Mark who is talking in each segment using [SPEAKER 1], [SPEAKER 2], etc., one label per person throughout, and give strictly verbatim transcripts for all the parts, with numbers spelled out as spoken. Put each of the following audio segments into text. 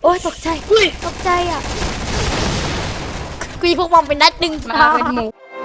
[SPEAKER 1] อ้ยตกใจตกใจอ่ะกูยิงพวกมองเป็นนัดดึง
[SPEAKER 2] มาเป็นหมู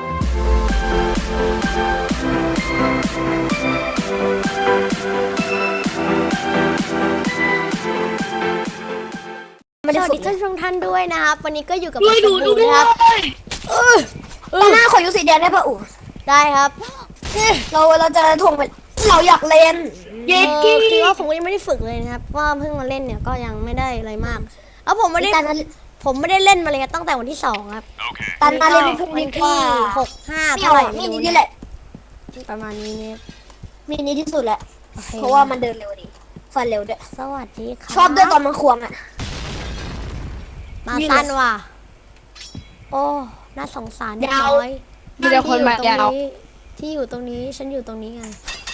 [SPEAKER 1] สวัสดีท่านผู้ชมท่านด้วยนะครับวันนี้ก็อยู่กับผมดูนะครับเออ
[SPEAKER 3] ตาหน้าขอยูสีแดงได้ป่ะอู๋
[SPEAKER 1] ได้ครับ
[SPEAKER 3] เราเราจะทวงไปเราอยากเล่น
[SPEAKER 1] เย็ดกี้คือว่าผมก็ยังไม่ได้ฝึกเลยนะครับว่าเพิ่งมาเล่นเนี่ยก็ยังไม่ได้อะไรมากแล้วผมไม่ได้ผมไม่ได้เล่นมาเลยตั้งแต่วันที่สองครับ
[SPEAKER 3] ตาหน้าเล่นไม่พูด
[SPEAKER 1] วัน
[SPEAKER 3] นี่
[SPEAKER 1] ที่
[SPEAKER 3] ว่า
[SPEAKER 1] หกห้า
[SPEAKER 3] ไม่
[SPEAKER 1] เท่า
[SPEAKER 3] เอา
[SPEAKER 1] ไหร่
[SPEAKER 3] มี
[SPEAKER 1] ไม่รู้
[SPEAKER 3] นี่แหละ
[SPEAKER 1] ประมาณนี้เนี่ย
[SPEAKER 3] มีนี้ที่สุดแหละเพราะว่ามันเดินเร็วดีฟันเร็วด้วย
[SPEAKER 1] สวัสดีค่ะ
[SPEAKER 3] ชอบด้วยตอนมันควงอ่ะ
[SPEAKER 1] มาสั้นว่ะโอ้น่าสงสารเด็กน้อย
[SPEAKER 2] มีแต่คนมายาว
[SPEAKER 1] ที่อยู่ตรงนี้ฉันอยู่ตรงนี้ไง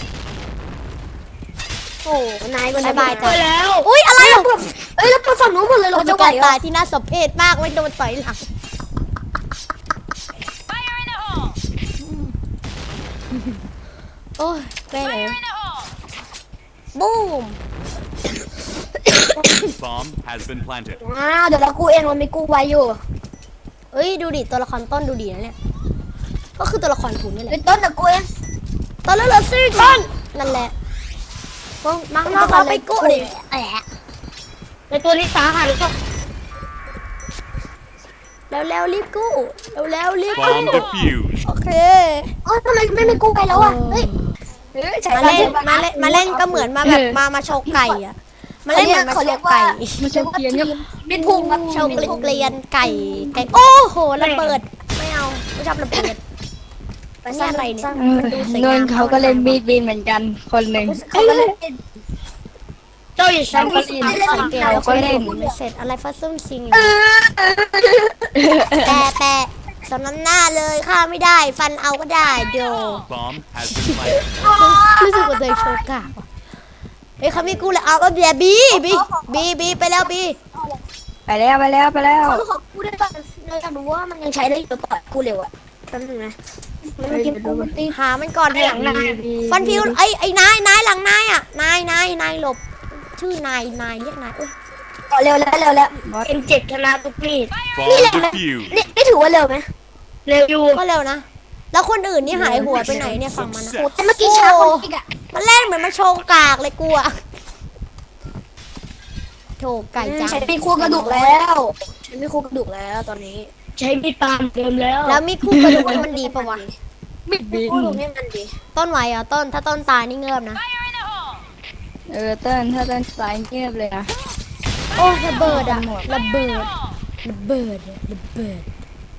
[SPEAKER 3] โอ้นายก็
[SPEAKER 1] บายบายจ้ะ
[SPEAKER 3] แล้ว
[SPEAKER 1] อุ้ยอะไรอ่ะ
[SPEAKER 3] เอ้ยแล้วไปฝั่งนู้นหมดเลยเรา
[SPEAKER 1] เรา
[SPEAKER 3] จะ
[SPEAKER 1] จะ
[SPEAKER 3] ไหว
[SPEAKER 1] การ
[SPEAKER 3] เหร
[SPEAKER 1] ตา
[SPEAKER 3] อย
[SPEAKER 1] ที่น่าสมเพชมากไม่โดนต่อยหลังโอ้ยแม่เลยบูม
[SPEAKER 4] Bomb has been planted.
[SPEAKER 3] ว้าวเดี๋ยวเรากู้เองเรามีกู้ไว้อยู่
[SPEAKER 1] เอ้ยดูดิตัวละครต้นดูดีนะเนี่ยก็คือตัวละครคุณนี่แห
[SPEAKER 3] เป็
[SPEAKER 1] ละ
[SPEAKER 3] นต้นแต่กู้เอง
[SPEAKER 1] ต้นแล้วเหรอซี่ต้นนั่นแหละพวกมังนอกเราไปกู้ดิแอะ
[SPEAKER 3] ในตัวนี้สาหัสก็
[SPEAKER 1] แล้วแล้วรีบกู้แล้วแล้วรีบกู้
[SPEAKER 4] Bomb defused.
[SPEAKER 1] โอเค
[SPEAKER 3] เอ้ยทำไมไม่มีกู้ไว้แล้วอ่ะเฮ้ยเฮ้ยใช้
[SPEAKER 1] มาเล่นมาเล่นมาเล่นก็เหมือนมาแบบมามาโชว์ไก่อะมาเล่นเหมือนมาโชว์ไก่
[SPEAKER 2] มาเชมเกียนเนี่ย
[SPEAKER 3] มิดพุงครับ
[SPEAKER 1] โชว์เกลียนไก่ไก่โอ้โหระเบิดไม่เอาไม่ชอบระเบิด
[SPEAKER 3] ไปสร้าง
[SPEAKER 1] อะไรเนี่ย
[SPEAKER 3] สร้าง
[SPEAKER 2] นนเขาก็เล่นมีดบินเหมือนกันคนหนึ่ง
[SPEAKER 3] เขาก็เล่นเจ้าอย่า
[SPEAKER 2] แล้วก็เล่น
[SPEAKER 1] สังเกต
[SPEAKER 2] แล้วก็เล่น
[SPEAKER 1] ไม่เสร็จอะไรฟัสซุ่มซิงแต่แต่สำน้ำหน้าเลยฆ่าไม่ได้ฟันเอาก็ได้โด
[SPEAKER 4] Bomb has been planted.
[SPEAKER 1] รู้สึกว่าตัวเองโชว์กากว่ะเฮ้ยเขามีกูเลยเอาก็เบียบีบีบีบีไปแล้วบี
[SPEAKER 2] ไปแล้วไปแล้วไปแล้ว
[SPEAKER 3] เขาขอกูได้ป่ะเราอยากรู้ว่ามันยังใช้ได้อยู่ต่อกูเร็วอ่ะแป๊บนึงนะมันเก็บกูมันตี
[SPEAKER 1] หามันก่อนเถอะฟันฟิวไอ้ไอ้นายนายหลังนายอ่ะนายนายนายหลบชื่อนายนายเรียกนายเอ้ย
[SPEAKER 3] ต่อเร็วแล้วเร็วแล้ว
[SPEAKER 2] บอส
[SPEAKER 3] เอ็มเจ็ดชนะทุกมีด
[SPEAKER 4] Bomb defused.
[SPEAKER 3] นี่นี่ถือว่าเร็วไหมเร็วอยู่
[SPEAKER 1] ก็เร็วนะแล้วคนอื่นนี่หายหัวไปไหนเนี่ยฝั่งมันนะ
[SPEAKER 3] โอ้แต่เมื่อกี้ช้าคนอีกอ่ะ
[SPEAKER 1] มันเล่นเหมือนมันโชว์กากเลยกูอะโถไก่จัง
[SPEAKER 3] ใช้มีคู่กระดูกแล้วใช้มีคู่กระดูกแล้วตอนนี้ ใช้มีดปาล์มเดิมแล้ว
[SPEAKER 1] แล้วมีคู่กระดูกนี่มันดีปะวะ
[SPEAKER 2] มีดบิน
[SPEAKER 3] คู่กระดูกนี่มันดี
[SPEAKER 1] ต้นไหวเหรอ่ะต้นถ้าต้นตายนี่เงือบนะ
[SPEAKER 2] เออเต้นถ้าเต้นสายเงียบเลยนะ
[SPEAKER 1] โอ้ระเบิดอะระเบิดระเบิดอะระเบิด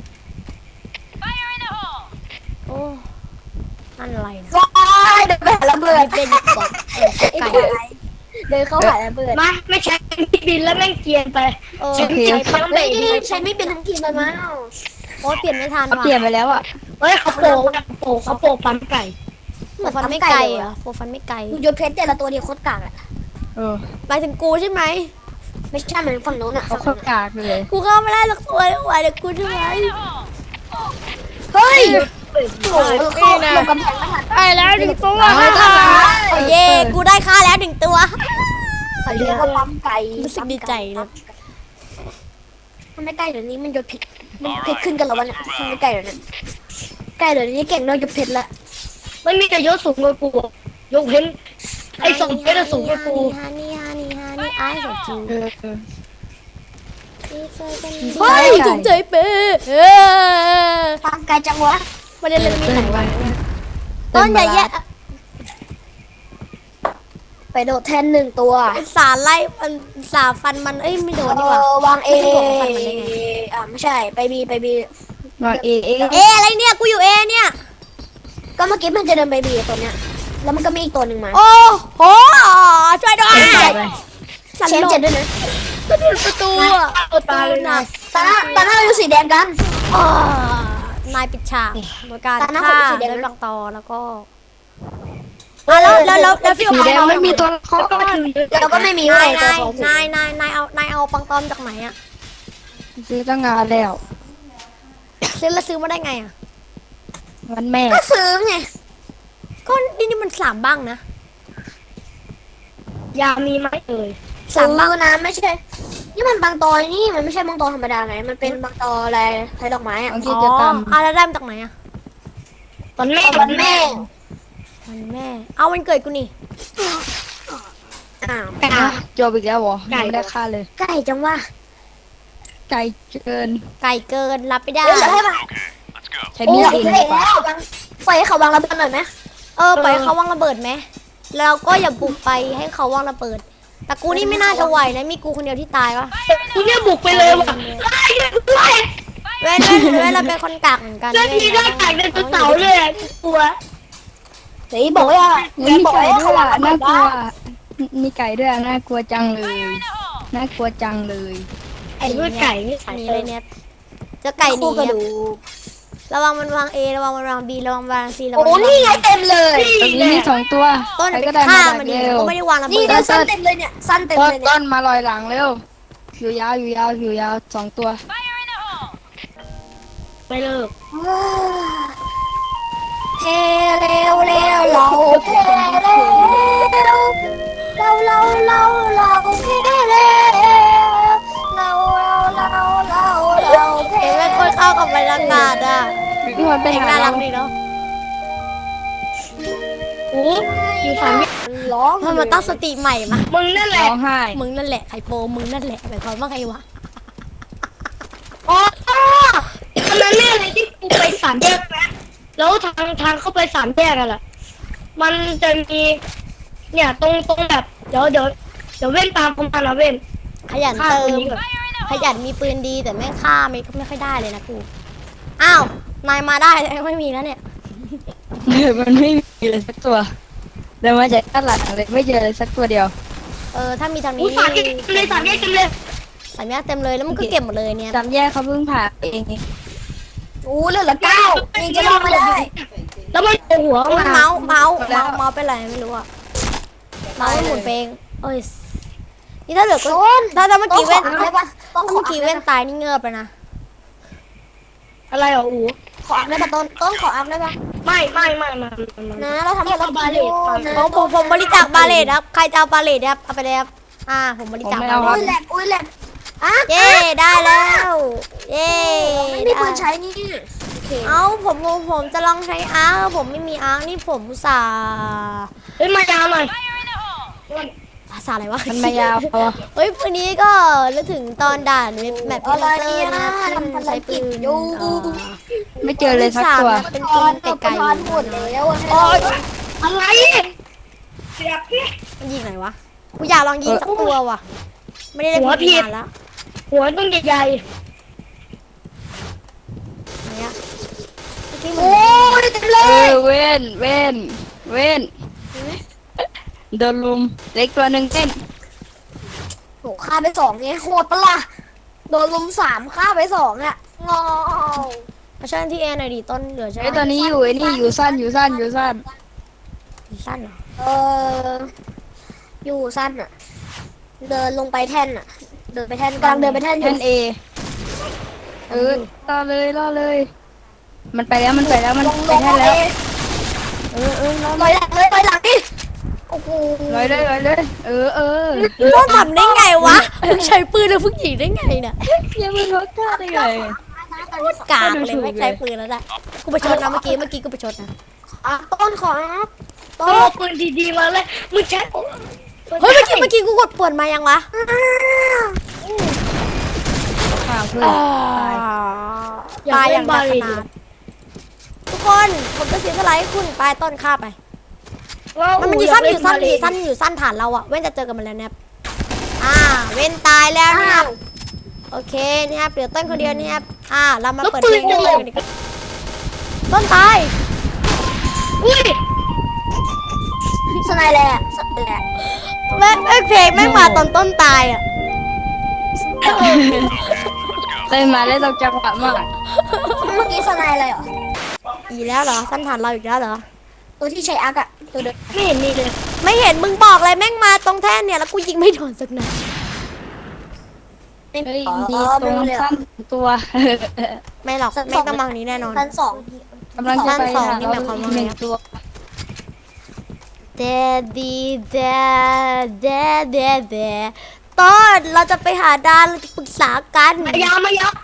[SPEAKER 1] โอ้อะไรนะ
[SPEAKER 3] ว้ายเดินไปหาระเบิด
[SPEAKER 1] เป็นดีกว่าเออไก่
[SPEAKER 3] เดินเข้าหาระเบิดมาไม่ใช้มีดบินแล้วแม่งเกียนไป
[SPEAKER 1] เออ
[SPEAKER 2] โอเค
[SPEAKER 3] ใช้ไม่ใช้ไม่เป็นทั้งทีมเลยมั้ง
[SPEAKER 1] โอ้เปลี่ยนไม่ทัน
[SPEAKER 2] เขา
[SPEAKER 1] ว่ะ
[SPEAKER 2] เปลี่ยนไปแล้วอ่ะ
[SPEAKER 3] เฮ้ยเขาโปะโปะเขาโปะปั๊มไก่
[SPEAKER 1] โปรฟันไม่ไกลเหรอโปรฟันไม่ไกล
[SPEAKER 3] ดูยศเพชรแต่ละตัวเดียวโคตรกากอ่ะ
[SPEAKER 2] เออ
[SPEAKER 1] หมายถึงกูใช่ไหม
[SPEAKER 3] ไม่ใช่เหมือนฝั่งโน้นอ่ะ
[SPEAKER 2] เขาเข้ากากเลย
[SPEAKER 1] กูเข้าไม่ได้หรอกสวยไหวเดี๋ยวกูใช่ไหม
[SPEAKER 3] เฮ้ยโอ้ยเข้าลงกำแพงไม่ทัน
[SPEAKER 1] ไปแล้วหนึ่งตัวโอ้เย่กูได้ค่าแล้วหนึ่งตัว
[SPEAKER 3] เขาเรียกว่าปั๊มไก่
[SPEAKER 1] รู้สึกดีใจเลย
[SPEAKER 3] มันไม่ใกล้เดี๋ยวนี้มันยศเพชรมันเพชรขึ้นกันแล้ววันนี้มันไม่ใกล้เดี๋ยวนี้ใกล้เดี๋ยวนี้เก่งนอกยศเพชรละไม่มีแต่ยศสูงกว่ากูยกเพชรไอ้สองเพชรสูงกว่ากู
[SPEAKER 1] ฮานี่ฮานี่ฮานี่ไอ้เด็กจู
[SPEAKER 2] เออเออ
[SPEAKER 1] เฮ้ยจุกใจเป้เออ
[SPEAKER 3] ปั๊มไก่จังวะ
[SPEAKER 1] ไม่ได้เล่นมีไหนวะต้นใหญ่แยะ
[SPEAKER 3] ไปโดดแทนหนึ่งตัว
[SPEAKER 1] สาไล่มันสาฟันมันเอ้ยไม่โดนดีกว่า
[SPEAKER 3] เออวางเอ
[SPEAKER 1] ไม่ใช่ของฟันมันได้ไง
[SPEAKER 3] อ่าไม่ใช่ไปบีไปบี
[SPEAKER 2] วางเอเอ
[SPEAKER 1] เออะไรเนี่ยกูอยู่เอเนี่ย
[SPEAKER 3] ก็เมื่อกี้มันจะเดินไปบีตัวเนี้ยแล้วมันก็มีอีกตัวหนึ่งมา
[SPEAKER 1] โอ้โหช่วยด้วยสัน
[SPEAKER 3] เชน
[SPEAKER 1] หล
[SPEAKER 3] เจ็ด
[SPEAKER 1] บ
[SPEAKER 3] ด้วยนะ
[SPEAKER 1] ก็ดูประตูอะประตูน่ะ
[SPEAKER 3] ตาหน้าตาหน้าเราอยู่สีแดงกัน
[SPEAKER 1] อ่านายปิดฉากโดยการ
[SPEAKER 3] ตาหน้า
[SPEAKER 1] ฆ่า
[SPEAKER 3] ของสีแดง
[SPEAKER 1] ด้วย
[SPEAKER 3] นะ
[SPEAKER 1] บางตอแล้วก็อ่ะแล้วแล้วแล้วแล้วฟิว
[SPEAKER 2] สี
[SPEAKER 1] เอา
[SPEAKER 2] แดง
[SPEAKER 1] ปังตอ
[SPEAKER 2] ไม่มีตัวละคร
[SPEAKER 3] แล้วก็ไม่มี
[SPEAKER 1] นา
[SPEAKER 3] ไว้
[SPEAKER 1] ย
[SPEAKER 3] ตัวน
[SPEAKER 1] าย
[SPEAKER 3] ของสี
[SPEAKER 1] นายนายนายเอานายเอาปังตอมจากไหนอะ
[SPEAKER 2] ซื้อตั้งงานแล้ว
[SPEAKER 1] ซื้อแล้วซื้อมาได้ไงอะ
[SPEAKER 2] วันแม่
[SPEAKER 3] ก็ซื้อไง
[SPEAKER 1] ก็นี่นี่มันสามบ้างนะ
[SPEAKER 3] ยามีไหมเอ่ย
[SPEAKER 1] สาม
[SPEAKER 3] ซื้
[SPEAKER 1] บ้าง
[SPEAKER 3] อนะไม่ใช่นี่มันบางตอนี่มันไม่ใช่บางตอธรรมดาไงมันเป็นบางตออะไรใช้ดอกไม้อะ
[SPEAKER 2] ของ
[SPEAKER 1] อ๋
[SPEAKER 2] กิ
[SPEAKER 1] อ
[SPEAKER 2] จกรรม
[SPEAKER 1] อ่ะแล้วได้มาจากไหนอ่ะ
[SPEAKER 3] วันแม่วันแม่
[SPEAKER 1] วันแม่ เอาวันเกิดกูนี่
[SPEAKER 3] อ้าว
[SPEAKER 2] อ่ะจบอีกแล้วเหรอ
[SPEAKER 3] ไก่
[SPEAKER 2] ยังไม่ได้ค่าเลย
[SPEAKER 3] ไก่จังว่า
[SPEAKER 2] ไก่เกิน
[SPEAKER 1] ไก่เกินรับไม่ได้
[SPEAKER 3] เดี๋ยวให้มา
[SPEAKER 2] ใช้
[SPEAKER 3] โอ้
[SPEAKER 2] มีด
[SPEAKER 3] ย
[SPEAKER 2] เอง
[SPEAKER 3] เฮ้ย
[SPEAKER 2] ดีกว่า
[SPEAKER 3] แล้ววางไฟให้เขาวางระเบิดหน่อยไหม
[SPEAKER 1] เออปล่อยให้เขาวางระเบิดไหมแล้วก็อย่าบุกไปให้เขาวางระเบิด แต่กูนี่ไม่น่าจะไหวนะมีกูคนเดียวที่ตายวะ
[SPEAKER 3] คุณเนี่ยบุกไปเลยว่ะไล่ไล่
[SPEAKER 1] เว้นเว้นเว้นเราเป็นคนกากเหมือนกัน
[SPEAKER 3] แล้ว
[SPEAKER 1] เว้
[SPEAKER 3] ที
[SPEAKER 1] น
[SPEAKER 3] หน้าต่างเดินเสาเลยอะกลัวเฮ้ยบอกว่า
[SPEAKER 2] มีไก่ด้วยอ่ะน่ากลัวมีไก่ด้วยอ่ะน่ากลัวจังเลยน่ากลัวจังเลย
[SPEAKER 3] ไอ้ด้วยไก่นี่
[SPEAKER 1] อันนี้เลยเนี่ยเจะไก่หนี
[SPEAKER 3] กระ
[SPEAKER 1] อะ
[SPEAKER 3] ดูก
[SPEAKER 1] ระวังมันวาง A ระวังมันวาง B ระวังวาง C ระวั
[SPEAKER 3] โอ้
[SPEAKER 1] งมันวาง
[SPEAKER 3] นี่ไงเต็มเลย
[SPEAKER 2] ตรงนี้มีสองตัว
[SPEAKER 1] ต้น
[SPEAKER 2] ใคร
[SPEAKER 1] ไป
[SPEAKER 2] ก็ได้
[SPEAKER 1] ฆ่า
[SPEAKER 2] มา
[SPEAKER 1] มัน
[SPEAKER 2] ดัก
[SPEAKER 1] ดิ
[SPEAKER 2] เร็ว
[SPEAKER 1] ก็ไม่ได้วางระ
[SPEAKER 3] นี่
[SPEAKER 1] เบิด
[SPEAKER 3] เนี่ยสั้นเต็มเลยเนี่ยสั้นเต็ม
[SPEAKER 2] ต้น
[SPEAKER 3] เลยเนี่
[SPEAKER 2] ต้
[SPEAKER 3] ย
[SPEAKER 2] นมาลอยหลังเร็วอยู่ยาวอยู่ยาวอยู่ยาวสองตัว
[SPEAKER 3] ไปเลิกเทเร็วเร็วเราเทเร็วเราเราเราเราเทเร็วเราเราเราเราเราเท
[SPEAKER 1] เห็นไหมคนเข้ากับบรรยากาศอ่ะ
[SPEAKER 2] นี่มันไป
[SPEAKER 1] เพลง
[SPEAKER 2] หา
[SPEAKER 1] น่ารั
[SPEAKER 2] เรา
[SPEAKER 1] กดีเนาะ
[SPEAKER 3] โอ้อยู่สามวิร้อง
[SPEAKER 1] เพิ่มมาตั้งสติใหม่มา
[SPEAKER 3] มึงนั่นแหละ
[SPEAKER 2] ร้องไห้
[SPEAKER 1] มึงนั่นแหละไข่โปมึงนั่นแหละหมายความว่าไงวะ
[SPEAKER 3] อ๋อตอนนั้นแม่เลยที่กูไปสามแยกนะแล้วทางทางเข้าไปสามแยกกันแหละมันจะมี เนี่ยตรงตรงแบบเดี๋ยวเดี๋ยวเดี๋ยวเว้นตามผมมานะเว้น
[SPEAKER 1] ขยัน
[SPEAKER 3] ฆ่า
[SPEAKER 1] เติ
[SPEAKER 3] คน
[SPEAKER 1] ม
[SPEAKER 3] นี้ก่อน
[SPEAKER 1] ขยันมีปืนดีแต่แม่งฆ่าไม่ไม่ค่อยได้เลยนะกูอ้าวนายมาได้แต่ไม่มีแล้วเนี่ย
[SPEAKER 2] มันไม่มีเลยสักตัวเดินมาจากด้านหลังเลยไม่เจอเลยสักตัวเดียว
[SPEAKER 1] เออถ้ามีทาง
[SPEAKER 3] อู้
[SPEAKER 1] นี้
[SPEAKER 3] สามแยกเต็มเลยสามแยกเต็มเลย
[SPEAKER 1] สามแยกเต็มเลยแล้วมันก็เก็บหมดเลยเนี่ย
[SPEAKER 2] จำแยกเขาเพิ่งผ่าเอง
[SPEAKER 3] อู้เหลือละเก้ายังจะลงไม่ได้ แล้วมันโผล่หัว
[SPEAKER 1] โอ้ย
[SPEAKER 3] มา
[SPEAKER 1] เมาส์เมาส์เมาส์เมาส์เป็นไรไม่รู้อะเมาส์มันหมุนไปเองเอ้ยนี่ถ้าเหลือก็ถ้าถ้าเมื่อกี้เว้น
[SPEAKER 3] ได้ปะต้
[SPEAKER 1] ถ้า
[SPEAKER 3] องขอ
[SPEAKER 1] เมื่อกี้เว้นตายนี่เงือบไปนะ
[SPEAKER 3] อะไรอ่ะอู
[SPEAKER 5] ขออัพได้ปะต้นต้นขออัพได้ปะ
[SPEAKER 3] ไม่ไม่ไม่ไม่ไม่
[SPEAKER 5] นะเราทำให้เรา
[SPEAKER 3] บาเลต
[SPEAKER 1] ผมผมผมบริจาคบาเลตครับใครจะเอาบาเลตครับเอาไปเลยครับอ่าผมบริจาค
[SPEAKER 2] ผมไม่
[SPEAKER 1] บา
[SPEAKER 2] เอา
[SPEAKER 1] เล
[SPEAKER 5] อุ้ย
[SPEAKER 1] ต
[SPEAKER 5] แหลกอุ้ยแหลกอ่ะ
[SPEAKER 1] เย้ได้แล้วเย้
[SPEAKER 5] ไม่มีปืนใช้นี่โอเค
[SPEAKER 1] เอาผมผมผมจะลองใช้อาร์คผมไม่มีอาร์คนี่ผมอุตส่าห์
[SPEAKER 3] เฮ้ยมายาวหน่อย
[SPEAKER 1] ภาษาอะไรวะ
[SPEAKER 2] มันมายาวพอ
[SPEAKER 1] เฮ้ยวันนี้ก็นึกถึงตอนด่านเว็บแมป
[SPEAKER 5] อะไร
[SPEAKER 1] เตอร์
[SPEAKER 5] นะ
[SPEAKER 1] นะครับ
[SPEAKER 5] ทำภาร
[SPEAKER 1] ใช้
[SPEAKER 5] กิ
[SPEAKER 1] ปื
[SPEAKER 5] จ
[SPEAKER 1] น
[SPEAKER 5] อยู่
[SPEAKER 1] เอ่อ
[SPEAKER 2] ไม่เจอเลยสักตัว
[SPEAKER 1] เป็น
[SPEAKER 5] ต
[SPEAKER 1] ปื
[SPEAKER 5] อน
[SPEAKER 1] น
[SPEAKER 5] กับ
[SPEAKER 1] ไกล
[SPEAKER 5] ทอนหมด
[SPEAKER 1] ๆ
[SPEAKER 5] แล้วอะ
[SPEAKER 3] โอ๊ยอะไรเสียบเนี่ย
[SPEAKER 1] มันยิงไหนวะกูอยากลองยิงสักตัวว่ะไม่ได้เล่น
[SPEAKER 3] หัว
[SPEAKER 1] ปืน
[SPEAKER 3] ผิด
[SPEAKER 1] นานแล้ว
[SPEAKER 3] หัวต้องใหญ่
[SPEAKER 1] เนี่ยเมื่อกี้มึ
[SPEAKER 3] ๆ
[SPEAKER 1] ง
[SPEAKER 3] โอ้ยเต็มเล
[SPEAKER 2] เอย อเว้นเว้นเว้นโดนลุมเล็กตัวหนึ่งเต้น
[SPEAKER 5] โหฆ่าไปสองเนี่ยโหดปะล่ะโดนลุมสามฆ่าไปสองอ่ะงอ
[SPEAKER 1] มาช่วยที่เอหน่อยดิต้นเหลือใช่ไหม
[SPEAKER 2] ไอ้ยตอนนี้อยู่ไอ้นี่อยู่สั้นอยู่สั้นอยู่สั้น
[SPEAKER 1] สั้นเหรอ
[SPEAKER 5] เอออยู่สั้นอ่ะ เดินลงไปแท่นอ่ะ เดินไปแท่นกำลังเดินไปแท่นอ
[SPEAKER 2] แท่
[SPEAKER 5] ยู่
[SPEAKER 2] นเอเออรอเลยรอเลย มันไปแล้วมันไปแล้วมัน
[SPEAKER 5] ลง
[SPEAKER 2] ไป
[SPEAKER 5] ลง
[SPEAKER 2] แท่น
[SPEAKER 5] เล
[SPEAKER 2] แล้ว
[SPEAKER 5] ย
[SPEAKER 2] เออเออรอ
[SPEAKER 5] ลอยหลังเลยลอยหลังดิโอ้โห
[SPEAKER 2] ลอยเลยลอยเลยเออเออ
[SPEAKER 1] ต้นทำได้ไงวะมึงใช้ปืนแล้วมึงยิงได้ไงเนี่ย
[SPEAKER 2] อย่ามึงรถกล้าได้ไง
[SPEAKER 1] กากเลยไม่ใช้ปืนแล้วได้กูไปชนนะเมื่อกี้เมื่อกี้กูไปชนนะ
[SPEAKER 5] อ่ะต้นขออัพต้
[SPEAKER 3] โอ้
[SPEAKER 5] น
[SPEAKER 3] ปืนดีๆมาเลยมึงใช้
[SPEAKER 1] เฮ้ยเมื่อกี้เมื่อกี้กูกดปวดมายังวะ
[SPEAKER 2] ข่าวเพื่อนตาย
[SPEAKER 1] ตายอย่างหนักขนาดทุกคนผมจะเสียสละให้คุณไปต้นฆ่าไป มันมันอยู่สั้นอยู่สั้นอยู่สั้นอยู่สั้นฐานเราอะเว้นจะเจอกันมาแล้วเนี่ยอ่าเว้นตายแล้วเนี่ยครับโอเคเนี่ยครับเหลือต้นคนเดียวเนี่ยครับอ่าเรามาเปิดเพลงกันเลยดีกว่าต้นตาย
[SPEAKER 3] อุ้ย
[SPEAKER 5] สไนแหละสไนแหละ
[SPEAKER 1] แม่งแม่งเพลงแม่งมาตอนต้นตายอะ
[SPEAKER 2] เล่นมาได้ตกจังหวะมาก
[SPEAKER 5] เมื่อกี้สไนอะไรเหรอ
[SPEAKER 1] อีกแล้วเหรอสั้นฐานเราอีกแล้วเหรอ
[SPEAKER 5] ตัวที่ใช้อาร์กอะตัวเดิม
[SPEAKER 3] ไม่เห็นมีเลย
[SPEAKER 1] ไม่เห็นมึงบอกเลยแม่งมาตรงแท่นเนี่ยแล้วกูยิงไม่โดนสักนัด
[SPEAKER 5] ไม่
[SPEAKER 2] เฮ้ย
[SPEAKER 5] อ๋อ
[SPEAKER 2] มี
[SPEAKER 5] ไม่
[SPEAKER 2] ตรง
[SPEAKER 5] รู้เลย
[SPEAKER 2] สั้นตัว
[SPEAKER 1] ไม่หรอกแม่งต้องมาทางนี้แน่นอน
[SPEAKER 5] ชั้นสอง
[SPEAKER 2] กำลังจะไป
[SPEAKER 1] สั้นสอง
[SPEAKER 2] หา
[SPEAKER 1] นี่หมายความว่าไง
[SPEAKER 2] หนึ่งตัว
[SPEAKER 1] เดดดีเดดเดดเดดเดดต้นเราจะไปหาดานเราจะปรึกษากัน
[SPEAKER 3] มายาวมายาว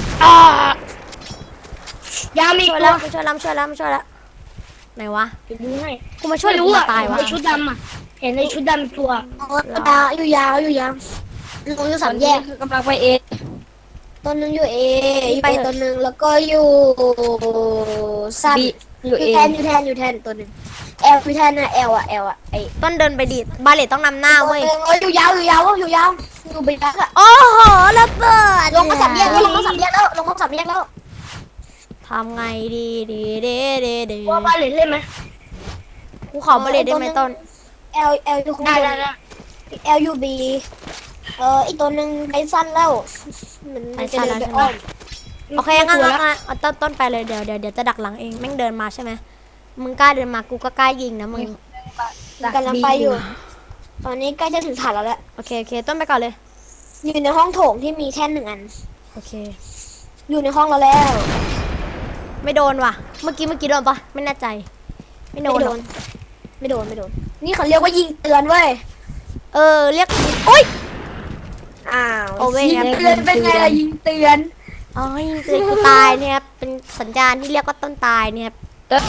[SPEAKER 3] อยามี
[SPEAKER 1] ช่วย
[SPEAKER 3] ตั
[SPEAKER 1] แล้ว วช่วยแล้วช่วยแล้วช่วยแล้วไหนวะ
[SPEAKER 3] ไปดูให้
[SPEAKER 1] กูมาช่วย
[SPEAKER 3] ไม่
[SPEAKER 1] หรือ
[SPEAKER 3] รู้
[SPEAKER 1] กู
[SPEAKER 3] อ่ะ
[SPEAKER 1] มาตายวะ
[SPEAKER 3] ในชุดดำอ่ะเห็นในชุดดำตัว
[SPEAKER 5] ยาวอยู่ยาวอยู่ยาวลงอยู่สามแยก
[SPEAKER 2] คือกำลังไปเอ
[SPEAKER 5] ต้นนึงอยู่เออยู่ไปต้นนึงแล้วก็อยู่สั้น
[SPEAKER 2] บีอยู่
[SPEAKER 5] อยู่
[SPEAKER 2] เอ
[SPEAKER 5] แทนอยู่แทนอยู่แทนตัวนึงแอลอยู่แทนนะแอลอะแอลอะไอ
[SPEAKER 1] ต้นเดินไปดิบาเลตต้องนำหน้า
[SPEAKER 5] ตัว
[SPEAKER 1] เว้ย
[SPEAKER 5] นึงเอ้ยอยู่ยาวอยู่ยาวอยู่ยาวอยู่ไปยักอะ
[SPEAKER 1] โอ้โหระเบิด
[SPEAKER 5] ลงมาสามแยกแล้วลงมาสามแยกแล้วลงมาสามแยกแล้ว
[SPEAKER 1] ทำไงดีดีดีดีดี
[SPEAKER 3] ว่าบ้านเล่นเล่นไหม
[SPEAKER 1] กูขอบาเลตได้ไหมต้น
[SPEAKER 5] แอลแอลอยู่ข้าง
[SPEAKER 3] ได้
[SPEAKER 5] บ
[SPEAKER 3] ได้
[SPEAKER 5] น
[SPEAKER 3] ได้
[SPEAKER 5] แอลยูบีเอออีกตัวหนึ่งไปสั้นแล้วมันมันจะเดินไปอ้อม
[SPEAKER 1] โอเคงั้นงั้นงั้นเอาต้นต้นไปเลยเดี๋ยวเดี๋ยวเดี๋ยวจะดักหลังเองแม่งเดินมาใช่ไหมมึงกล้าเดินมากูก็กล้ายิงนะมึง
[SPEAKER 5] กำลังไปอยู่ ตอนนี้ใกล้จะถึงฐานเราแล้ว
[SPEAKER 1] โอเคโอเคต้นไปก่อนเลย
[SPEAKER 5] อยู่ในห้องโถงที่มีแท่นหนึ่งอัน
[SPEAKER 1] โอเค
[SPEAKER 5] อยู่ในห้องเราแล้ว
[SPEAKER 1] ไม่โดนว่ะเมื่อกี้เมื่อกี้โดนปะไม่แน่ใจ ไม่โด
[SPEAKER 5] ไม่
[SPEAKER 1] น
[SPEAKER 5] โด
[SPEAKER 1] หรอก
[SPEAKER 5] น ไม่โดนไม่โดน นี่เขาเรียกว่ายิงเตือนเว้ย
[SPEAKER 1] เออเรียกโอ๊ย
[SPEAKER 5] อ้าว
[SPEAKER 1] โอเว่
[SPEAKER 5] ยิง
[SPEAKER 1] ครับ
[SPEAKER 5] เตือนเป็นไงล่ะยิงเตือน
[SPEAKER 1] อ๋อยิงเตือนกูตายเนี่ยครับเป็นสัญญาณที่เรียกว่าต้นตายเนี่ยครับ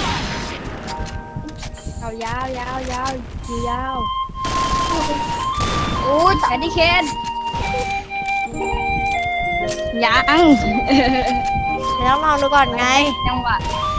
[SPEAKER 2] เอายาวยาวยาวอยู่ยาว
[SPEAKER 5] โอ้ย
[SPEAKER 2] แอนดี้เคนยัง
[SPEAKER 1] เดี๋ยวต้องลองดูก่อนไง
[SPEAKER 2] จังหวะ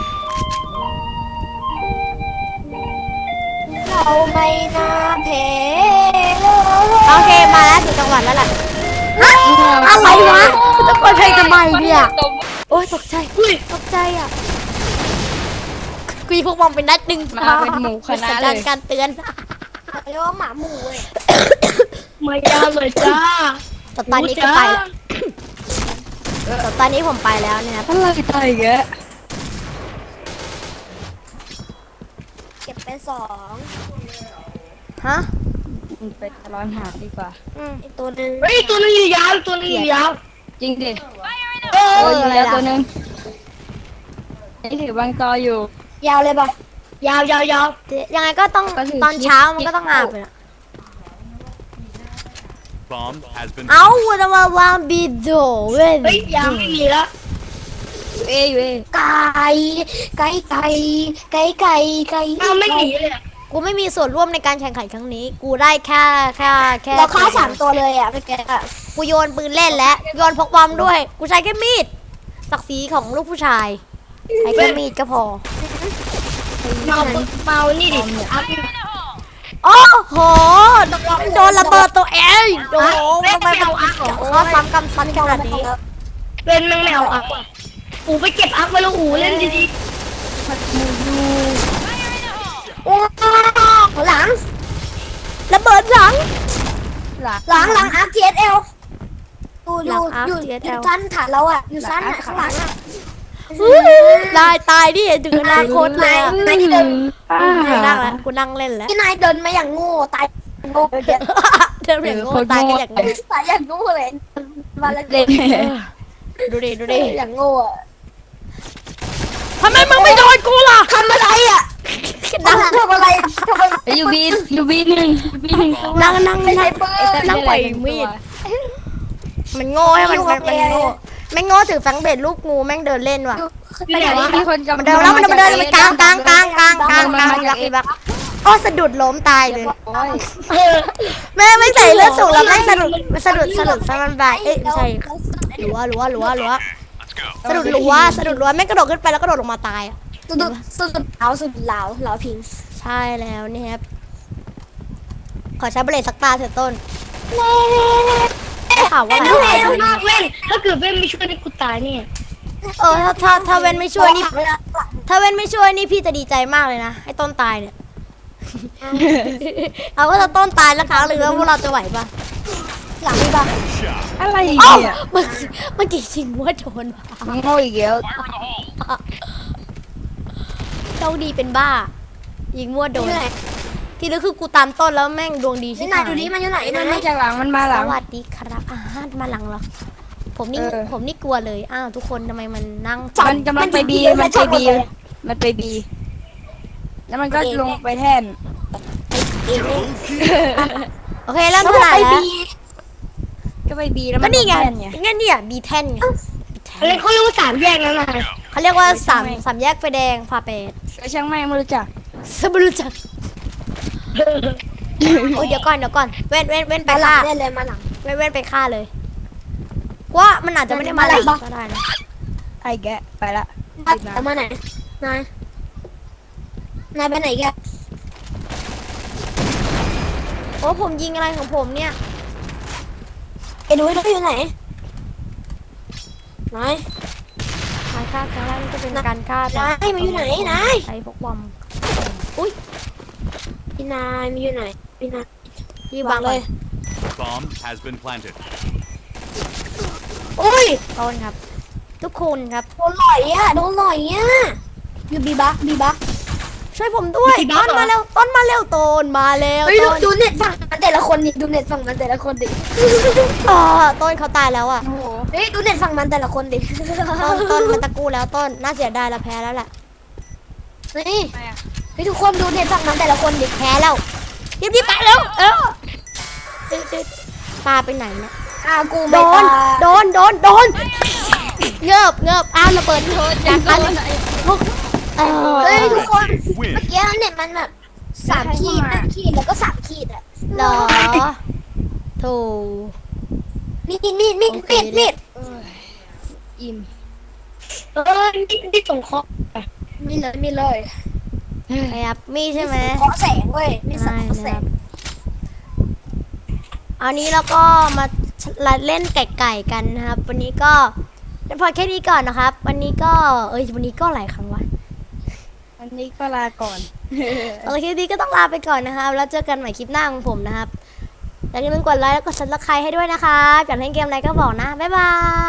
[SPEAKER 5] เราไม่น่าเพเลย
[SPEAKER 1] โอเคมาแล้วถึงจังหวัดแล้วแหละฮะอะไรวะจะเปิดเพลงทำไมเนี่ยโอ๊ยตกใจตกใจอ่ะกูยิงพวกมองเป็นนัดหนึ่ง
[SPEAKER 2] มาเป็นหมูคณะ
[SPEAKER 1] สัญ
[SPEAKER 2] เล
[SPEAKER 1] ญาณ
[SPEAKER 2] ย
[SPEAKER 1] การเตือน
[SPEAKER 5] เขาเรียกว่าหมาหมูเว้ย
[SPEAKER 3] มายาวเลยจ้า
[SPEAKER 1] แต่ตอนนี้กูไปแล้วแต่ตอนนี้ผมไปแล้วเนี่ยครับ
[SPEAKER 2] อะไรตายอีกแล้ว
[SPEAKER 5] เก็บไปสอง
[SPEAKER 1] ฮะ
[SPEAKER 2] ไปร้อนหาดีกว่า
[SPEAKER 1] อืม
[SPEAKER 5] อีกตัวหนึ่ง
[SPEAKER 3] เฮ้ยตัวนึงอยู่ยาวตัวนึงอยู่ยาว
[SPEAKER 2] จริงดิ
[SPEAKER 3] เออ
[SPEAKER 2] โอ้ยอยู่แล้วตัวหนึงนี่ถือบางตออยู่
[SPEAKER 5] ยาวเลยป่ะ
[SPEAKER 3] ยาวยาวยาว
[SPEAKER 1] ยังไงก็ต้อง
[SPEAKER 2] ก็ถือ
[SPEAKER 1] ตอนเช้ามันก็ต้องอาบเลยอะ
[SPEAKER 4] Bomb has been
[SPEAKER 1] เอาจะมาวางบีโดเว้ย
[SPEAKER 3] เฮ้ยยาวไม่มีแล้ว
[SPEAKER 2] อยู่เออยู่เอ
[SPEAKER 5] ไก่ไก่ไก่ไก่ไก่ไก่
[SPEAKER 3] อ้าวไม่หนีเลยอะ
[SPEAKER 1] กูไม่มีส่วนร่วมในการแข่งขันครั้งนี้ กูได้แค่แค่แค่
[SPEAKER 5] เราฆ่าสามตัวเลยอ่ะเมื่อกี้อะ
[SPEAKER 1] กูโยนปืนเล่นและโยนพกบอมด้วย กูใช้แค่มีดศักดิ์ศรีของลูกผู้ชายใช้แค่มีดก็พอ
[SPEAKER 3] เมาเมานี่ดิอัพ
[SPEAKER 1] โอ้โหโดนระเบิดตัวเองโอ้โหทำไมมันข้อซ้ำกำซ้ำขนาดนี้
[SPEAKER 3] เป็นแมงแมวอัพอ่ะอูไปเก็บอัพไว้แล้วอูเล่นดี
[SPEAKER 5] โอ้หลัง
[SPEAKER 1] ระเบิดหลัง
[SPEAKER 2] หลัก
[SPEAKER 5] หลังหลังอาร์ทีเอสเอลอยู่อ
[SPEAKER 1] หลั
[SPEAKER 5] ยู่
[SPEAKER 1] ง Arc
[SPEAKER 5] อยู่
[SPEAKER 1] ที
[SPEAKER 5] อ
[SPEAKER 1] เอสแอล
[SPEAKER 5] ยู่สั้นฐานเราอ่ะอยู่สั้นอ่ะข้างหลังอ่ะ
[SPEAKER 1] ตายตายดิถึงอนาคตเลยอะ
[SPEAKER 5] นายที่เดิน
[SPEAKER 1] กูนั่งแล้วกูนั่งเล่นแล้ว
[SPEAKER 5] ที่นายเดินมาอย่างโง่ตายโง่เดิน
[SPEAKER 1] เดินอย่างโง่ตายก็อย่างโง่
[SPEAKER 5] ตายอย่างโง่เลยมาแล้ว
[SPEAKER 2] เล่น
[SPEAKER 1] ดูดิดูดิ
[SPEAKER 5] อย่างโง่อะ
[SPEAKER 1] ทำไมมึงไม่โดนกูล่ะ
[SPEAKER 5] ทำอะไรอ่ะ
[SPEAKER 1] นั่ง
[SPEAKER 5] ทำอะไรอะทำอะไร
[SPEAKER 2] ไปอยู่บีอยู่บีหนึ่งอยู่บีหนึ่ง
[SPEAKER 1] นั่งนั่ง
[SPEAKER 5] ไม่
[SPEAKER 1] นั่
[SPEAKER 5] ใช่
[SPEAKER 1] ง
[SPEAKER 5] เบอร์
[SPEAKER 1] นั่งปล่อยมีด มันโง่ให้มันมันมันโง่แม่งโง่ถือแฟงเบ็ดลูกงูแม่งเดินเล่นว่ะ
[SPEAKER 2] ไปไหนวะมีคนจะ
[SPEAKER 1] มันเดินแล้วมันเดินมันเดินมันกลางกลางกลางกลางกลางกลางรักอีบักโอ้สะดุดล้มตายเลย
[SPEAKER 2] โอ้ย
[SPEAKER 3] ๆเออ
[SPEAKER 1] แม่ไม่ใส่เลือดสูงแล้วแม่งสะดุดสะดุดสะดุดสะมันบายเอ้ยไม่ใช่หลัวหลัวหลัวหลัวสะดุดหลัวสะดุดหลัวแม่งกระโดดขึ้นไปแล้วกระโดดลงมาตายอ่ะ
[SPEAKER 5] สุดสุดเหลาสุดเหลาเหลาพิง
[SPEAKER 1] ใช่แล้วเนี่ยครับขอใช้เบรดสักตาเถอะต้นได้ข่าวว่า
[SPEAKER 3] ถ้าเล่นมากเล่นถ้าเกิดเล่นไม่ช่วยนี่กูตายเนี่ย
[SPEAKER 1] เออถ้าถ้าถ้าเว้นไม่ช่วยนี่ ถ้าเว้นไม่ช่วยนี่พี่จะดีใจมากเลยนะไอ้ต้นตายเนี่ย เอาว่าถ้าต้นตายแล้วครั้งหนึ่งแล้วพวกเราจะไหวปะ
[SPEAKER 5] หลังมีบ้าง
[SPEAKER 2] อะไร
[SPEAKER 1] เอ้า
[SPEAKER 2] เนี่ย
[SPEAKER 1] เมื่อเมื่อกี้จริงว่าโดนว่ะ
[SPEAKER 2] มึงโง่อีกแล้ว
[SPEAKER 1] โชคดีเป็นบ้า ยิงมั่วโดน ที่นึกคือกูตามต้นแล้วแม่งดวงดีใช่
[SPEAKER 5] นี่
[SPEAKER 1] ไหม
[SPEAKER 5] นายดูดิมันอยู่ไหน
[SPEAKER 2] มัน
[SPEAKER 5] นาย
[SPEAKER 2] มาจากหลังมันมาห
[SPEAKER 1] ส
[SPEAKER 2] ลัง
[SPEAKER 1] วัสดีครับอาหารมาหลังเหรอผมนี่
[SPEAKER 2] เออ
[SPEAKER 1] ผมนี่กลัวเลยอ้าวทุกคนทำไมมันนั่ง
[SPEAKER 2] มันกำลังไปบีมันไปบีมันไปบีแล้วมันก็ลงไปแท่น
[SPEAKER 1] โอเคเริ่ม
[SPEAKER 5] แล้ว
[SPEAKER 1] เท่าไหร่
[SPEAKER 5] ไป
[SPEAKER 1] แล้ว
[SPEAKER 5] บี
[SPEAKER 2] ก็ไปบีแล้ว
[SPEAKER 1] ก็
[SPEAKER 2] มัน
[SPEAKER 1] นี่ไง
[SPEAKER 2] แท่นไง
[SPEAKER 1] งั้นเนี่ยบีแทนไง
[SPEAKER 3] อะไรเขาเรียกว่าสามแยกแล้วนะ
[SPEAKER 1] เขาเรียกว่าสาม
[SPEAKER 2] ไม่
[SPEAKER 1] สามแยกไฟแดงพาเป็ด
[SPEAKER 2] ก็ช่างไม่ไม่รู้จัก
[SPEAKER 1] สมรู้จักโอ้ยเดี๋ยวก่อนเดี๋ยวก่อนเว้นเว้นเว้นไป
[SPEAKER 3] มาหลั
[SPEAKER 1] ฆ่าง
[SPEAKER 3] ได้เลยมาหลัง
[SPEAKER 1] เว้นเว้นไปฆ่าเลยว่ามันอาจจะไม่ได้มาหลังก็ได้นะ
[SPEAKER 2] ไอ้แกะไปละ
[SPEAKER 3] แต่มาไหนนายนายไปไหนแก
[SPEAKER 1] โอ้ผมยิงอะไรของผมเนี่ย
[SPEAKER 3] ไอ้ดูให้ดูอยู่ไหนนาย
[SPEAKER 1] การฆ่าครั้งแรกนี่ก็เป็นการฆ่าน
[SPEAKER 3] ายมาอยู่ไหนนาย
[SPEAKER 1] ใช้พวกบอม
[SPEAKER 3] พี่นายมาอยู่ไหนพี่นาย
[SPEAKER 1] ที่วางเลย
[SPEAKER 4] Bomb has been planted.
[SPEAKER 3] โอ้ย
[SPEAKER 1] ต้นครับ ทุกคนครับ
[SPEAKER 3] โดนหล่อยอ่ะโดนหล่อยอ่ะอยู่บีบักบีบัก
[SPEAKER 1] ช่วยผมด้วย
[SPEAKER 3] มีบ้า
[SPEAKER 1] ต้น
[SPEAKER 3] เหรอ
[SPEAKER 1] มาเร็วต้นมาเร็วต้นมาเร็ว
[SPEAKER 3] เฮ้ยดู
[SPEAKER 1] ต้น
[SPEAKER 3] ดูเน็ตฝั่งมันแต่ละคนดิดูเน็ตฝั่งมันแต่ละคนดิ
[SPEAKER 1] เออต้นเขาตายแล้วอ่ะ
[SPEAKER 2] โอ้โห
[SPEAKER 3] เฮ้ยดูเน็ตฝั่งมันแต่ละคนดิ
[SPEAKER 1] ต้นต้นมันตะกู้แล้วต้นน่าเสียดายเราแพ้แล้วแหละ
[SPEAKER 3] นี่
[SPEAKER 2] ทำไมอ่ะ
[SPEAKER 3] เฮ้ยทุกคนดูเน็ตฝั่งมันแต่ละคนดิ
[SPEAKER 1] แพ้แล้วรีบรีบไปแล้วเออปลาไปไหนเนี่ย
[SPEAKER 3] อ่ากู
[SPEAKER 1] โด
[SPEAKER 3] ไม่
[SPEAKER 1] น
[SPEAKER 3] ตาย
[SPEAKER 1] โดนโดนโดนเงือบเงือบอ้าวระเบิดโดนจากกันเออ
[SPEAKER 3] เฮ้ยทุกคน
[SPEAKER 4] Win.
[SPEAKER 3] เมื่อกี้เน็ตมันแบบสามขีดห้าขีดแล้วก็สามขีดอ่ะ
[SPEAKER 1] เหรอโถู
[SPEAKER 3] มีดมีดมีด
[SPEAKER 1] โอเค
[SPEAKER 3] มีดมีด
[SPEAKER 2] เอ้ยอิ่ม
[SPEAKER 3] เออมีดมีดส่งเคราะห์มีเลยมีเลย
[SPEAKER 1] ครับมีใช่ไหม
[SPEAKER 3] เคราะห์แสงเว้ยมีสังเคราะห์แส
[SPEAKER 1] ใช่
[SPEAKER 3] ง
[SPEAKER 1] นะครับอันนี้เราก็มาเล่นไก่ๆกันนะครับ วันนี้ก็พอแค่นี้ก่อนนะครับ วันนี้ก็เอ้ยวันนี้ก็หลายครั้งวะ
[SPEAKER 2] วันนี้ก็ลาก่อน
[SPEAKER 1] โอเคคลิปนี้ก็ต้องลาไปก่อนนะครับ แล้วเจอกันใหม่คลิปหน้าของผมนะครับอย่าลืมกดไลค์แล้วกดซับสไครต์ให้ด้วยนะครับอยากเล่นเกมอะไรก็บอกนะบ๊ายบาย